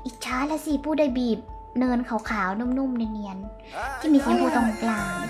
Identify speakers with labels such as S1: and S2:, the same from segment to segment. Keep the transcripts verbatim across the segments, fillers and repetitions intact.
S1: อิจฉาละสิผู้ได้บีบเนินขาวๆนุ่มๆเนียนๆที่มีสีชมพูตรงกลาง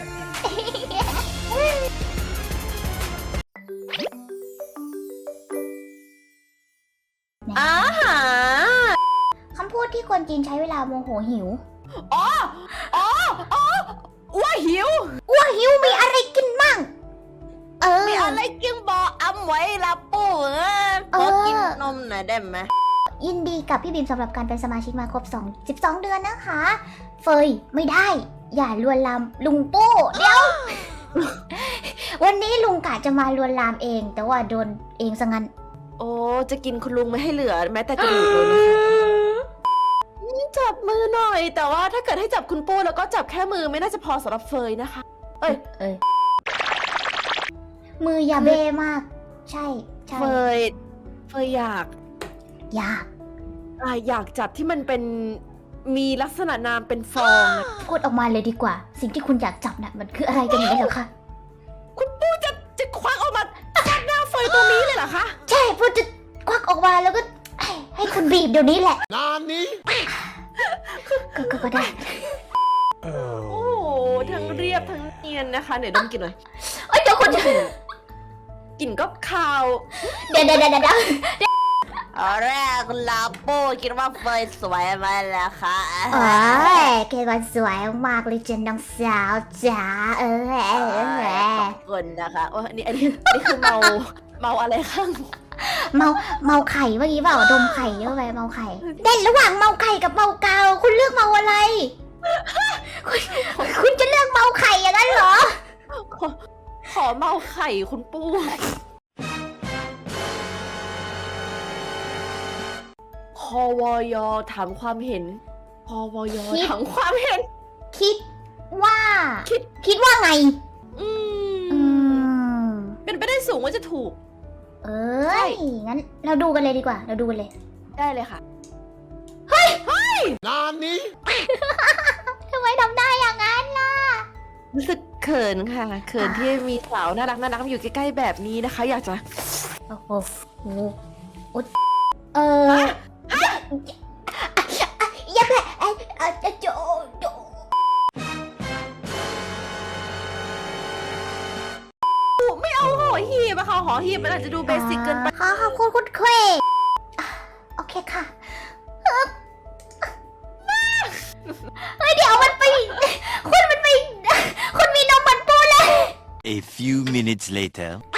S2: อาหาร
S1: คำพูดที่คนจีนใช้เวลาโมโหหิว
S2: อ๋ออ๋ออ๋ออ้วหิว
S1: อ้วหิวมีอะไรกินมั่งเออ
S2: มีอะไรกินบอกอำไว้ละปู่เออขอกินนมหน่อยได้ไหม
S1: ยินดีกับพี่บีมสำหรับการเป็นสมาชิกมาครบสอง สิบสองเดือนนะคะ เฟยไม่ได้ อย่าลวนลามลุงปู้เดี๋ยว วันนี้ลุงกะจะมาลวนลามเอง แต่ว่าโดนเองซะงั้น
S2: โอ้จะกินคุณลุงไม่ให้เหลือแม้แต่กระดูกเลยนะคะจับมือหน่อย แต่ว่าถ้าเกิดให้จับคุณปูแล้วก็จับแค่มือไม่น่าจะพอสำหรับเฟยนะคะ เอ้ย
S1: เอ้ยมืออย่าเบ้มาก ใช่ใช่
S2: เฟยเฟยอยาก
S1: อยาก
S2: อ่าอยากจับที่มันเป็นมีลักษณะนามเป็นฟองนะ
S1: พูดออกมาเลยดีกว่า สิ่งที่คุณอยากจับน่ะมันคืออะไรกันอย่างนี้เหรอคะ
S2: คุณปูจะจะควักออกมาฟาดหน้าเฟยตรงนี้เลยเหรอคะ
S1: ใช่พูดจะควักออกมาแล้วก็ให้ให้คุณบีบเดี๋ยวนี้แหละ
S3: นานนี้
S1: ก็ก็ก็ได้
S2: โอ้โหทั้งเรียบทั้งเนียนนะคะเดี๋ยวดมกลิ่นหน่อย
S1: เอ้ยเดี๋ยวคุณจะ
S2: กลิ่นก็คาว
S1: เดี๋ยวเดี๋ยวเดี๋ยวเดี๋ยว
S2: ตอนแรกลาโป้คิดว่าเฟยสวยไหมล่ะคะ
S1: โอ้ยแกวันสวยมากเลยเจนน้องสาวจ๋าเออเออเออ
S2: ขอบคุณนะคะโอ้อันนี้อันนี้อันนี้คือเมาเมาอะไรข้าง
S1: เมาเมาไข่เมื่อกี้เปล่าดมไข่เยอะไปเมาไข่เด่นระหว่างเมาไข่กับเมากาวคุณเลือกเมาอะไร คุณคุณจะเลือกเมาไข่อย่างนั้นเหรอ
S2: ขอขอเมาไข่คุณปูคอวอยถามความเห็นคอวอย
S1: คิด
S2: ถามความเห็น
S1: คิดว่า
S2: คิด
S1: คิดว่าไง
S2: อื
S1: อื
S2: ม
S1: ม
S2: เป็นไปได้สูงว่าจะถูก
S1: เอ้ยงั้นเราดูกันเลยดีกว่า เราดูกันเลย
S2: ได้เลยค่ะ
S3: นานนี้
S1: ทำไมทำได้อย่างนั้นล่ะ
S2: รู้สึกเขินค่ะ เขินที่มีสาวน่ารักน่ารักมาอยู่ใกล้ๆแบบนี้นะคะ อยากจะ
S1: โอ้โหโอ้โหโอ๊ยเอออย่าแพ้ไอ้ไอ้โจโจ
S2: ไม่เอาหอหีบอะค่ะหอหีบมันอาจจะดูเบสิกเกินไป
S1: ขอขอบคุณคุณเควโอเคค่ะเฮ้ยเดี๋ยวมันไปคุณมันไปคุณมีนมเหมือนปูเลย
S3: A few minutes later